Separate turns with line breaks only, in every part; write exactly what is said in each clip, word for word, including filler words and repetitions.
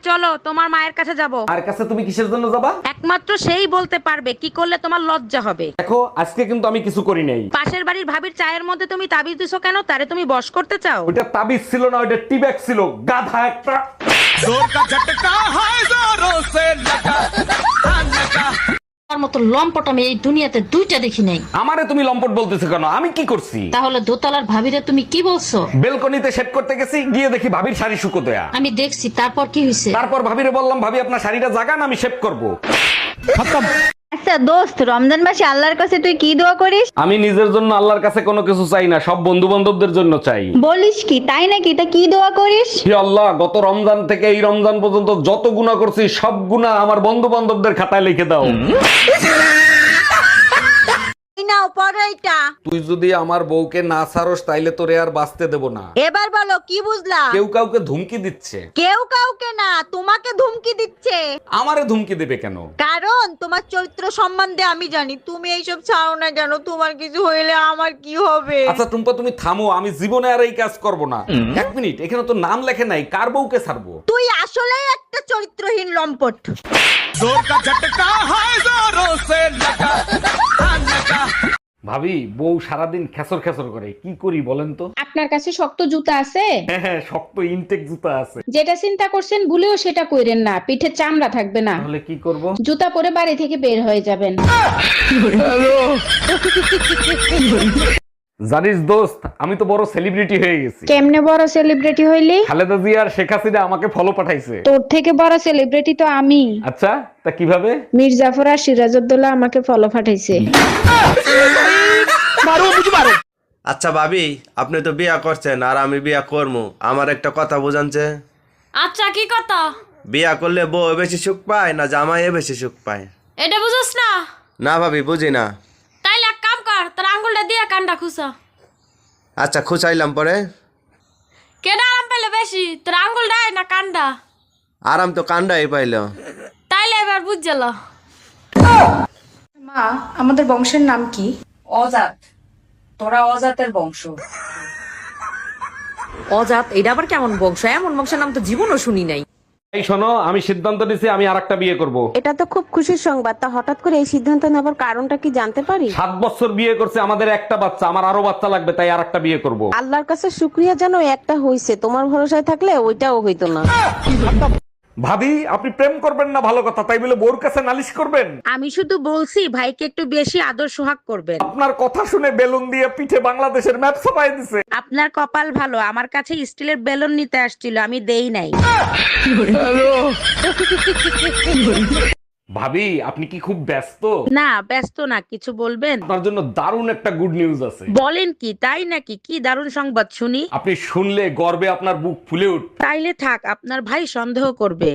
চলো তোমার মায়ের কাছে যাব।
আর কাছে তুমি কিসের জন্য যাবা?
একমাত্র সেই বলতে পারবে কি করলে তোমার লজ্জা হবে।
দেখো আজকে কিন্তু আমি কিছু করি নাই।
পাশের বাড়ির ভাবির চায়ের মধ্যে তুমি তাবিজ দিছো কেন? তারে তুমি বশ করতে চাও?
ওইটা তাবিজ ছিল না, ওইটা টিব্যাগ ছিল, গাধা একটা।
তার মতো লম্পট আমি এই দুনিয়াতে দুইটা দেখি নাই।
আমারে তুমি লম্পট বলতেছো কেন? আমি কি করছি?
তাহলে দোতলার ভাবিরে তুমি কি বলছো?
বেলকনিতে সেট করতে গেছি, গিয়ে দেখি ভাবির শাড়ি শুকো দেয়া।
আমি দেখছি, তারপর কি হয়েছে?
তারপর ভাবিরে বললাম, ভাবি আপনার শাড়িটা জাগান, আমি শেভ করব।
আচ্ছা দোস্ত, রমজান মাসে আল্লাহর কাছে তুই কি দোয়া করিস?
আমি নিজের জন্য আল্লাহর কাছে কোনো কিছু চাই না, সব বন্ধু বান্ধবদের জন্য চাই।
বলিস কি, তাই নাকি? তা কি দোয়া করিস?
হে আল্লাহ, গত রমজান থেকে এই রমজান পর্যন্ত যত গুনাহ করছি সব গুনাহ আমার বন্ধু বান্ধবদের খাতায় লিখে দাও।
নাও পড়ো এটা।
তুই যদি আমার বউকে না ছাড়স তাইলে তোরে আর বাঁচতে দেব না।
এবার বলো কি বুঝলা?
কেউ কাউকে ধুমকি দিচ্ছে।
কেউ কাউকে না, তোমাকে ধুমকি দিচ্ছে।
আমারে ধুমকি দেবে কেন?
কারণ তোমার চরিত্র সম্বন্ধে আমি জানি। তুমি এইসব ছাড়ো না কেন? তোমার কিছু হইলে আমার কি হবে?
আচ্ছা টুম্পা, তুমি থামো, আমি জীবনে আর এই কাজ করব না। এক মিনিট, এখানে তো নাম লেখে নাই, কার বউকে ছাড়বো?
তুই আসলেই একটা চরিত্রহীন লম্পট।
ভাবি, বউ সারাদিন খেসর খেসর করে, কি করি বলেন তো?
আপনার কাছে শক্ত জুতা আছে?
হ্যাঁ হ্যাঁ, শক্ত ইনটেক জুতা আছে।
যেটা চিন্তা করছেন ভুলেও সেটা কইরেন না, পিঠে চামড়া থাকবে না।
তাহলে কি করব?
জুতা পরে বাড়ি থেকে বের হয়ে যাবেন।
জানিস দোস্ত, আমি তো বড় সেলিব্রিটি হয়ে গেছি।
কেমনে বড় সেলিব্রিটি হইলি?
খালেদা জিয়া আর শেখ হাসিনা আমাকে ফলো পাঠাইছে।
তোর থেকে বড় সেলিব্রিটি তো আমি।
আচ্ছা, তা কিভাবে?
মীর জাফর আর সিরাজউদ্দৌলা আমাকে ফলো পাঠাইছে।
আচ্ছা ভাবি, আপনি তো বিয়া করছেন আর আমি বিয়া করবো, আমার একটা কথা বুঝানছে।
আচ্ছা কি কথা?
বিয়া করলে বউ বেশি সুখ পায় না জামাই বেশি সুখ পায়?
এটা বুঝছ না?
না ভাবি, বুঝি না।
তাইলে এক কাম কর, তোর আঙ্গুলটা দিয়ে কানটা খুসা।
আচ্ছা খুঁচাইলাম পরে।
কেডা আরাম পাইলে বেশি, তোর আঙ্গুলটাই না কানটা?
আরাম তো কান্ডাই পাইল।
তাইলে এবার বুঝ গেল।
মা, আমাদের বংশের নাম কি?
অজাত। তোরা অজাতের বংশ।
অজাত? এটা আবার কেমন বংশ? এমন বংশের নাম তো জীবনও শুনি নাই।
এই শোনো, আমি সিদ্ধান্ত নিছি আমি আরেকটা বিয়ে করব।
এটা তো খুব খুশির সংবাদ। তা হঠাৎ করে এই সিদ্ধান্ত নেবার কারণটা কি জানতে পারি?
সাত বছর বিয়ে করছে, আমাদের একটা বাচ্চা, আমার আরো বাচ্চা লাগবে, তাই আরেকটা বিয়ে করব।
আল্লাহর কাছে শুক্রিয়া জানো, একটা হইছে। তোমার ভরসায় থাকলে ওইটাও হইতো না।
ভাবি, আপনি প্রেম করবেন না ভালো কথা, তাই বলে বোর কাছে নালিশ করবেন?
আমি শুধু বলছি ভাইকে একটু বেশি আদর সোহাগ করবেন।
আপনার কথা শুনে বেলুন দিয়ে পিঠে বাংলাদেশের ম্যাপ ছাপাই দিছে।
আপনার কপাল ভালো, আমার কাছে স্টিলের বেলুন নিতে আসছিল, আমি দেই নাই।
ভাবি, আপনি কি খুব ব্যস্ত?
না ব্যস্ত না, কিছু বলবেন?
আপনার জন্য দারুণ একটা গুড নিউজ আছে।
বলেন কি? তাই নাকি? কি দারুণ সংবাদ শুনি।
আপনি শুনলে গর্বে আপনার বুক ফুলে উঠ।
তাইলে থাক, আপনার ভাই সন্দেহ করবে।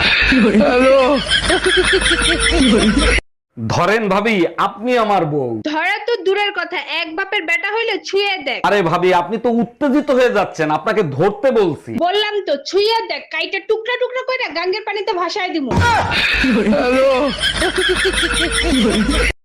ধরেন ভাবি, আপনি আমার বউ।
ধরা তো দূরের কথা, এক বাপের বেটা হইলে ছুঁয়ে দেখ।
আরে ভাবি, আপনি তো উত্তেজিত হয়ে যাচ্ছেন, আপনাকে ধরতে বলছি।
বললাম তো ছুঁয়ে দেখ, কাইটা টুকরা টুকরা করে গাঙ্গের পানিতে ভাসায় দিমু।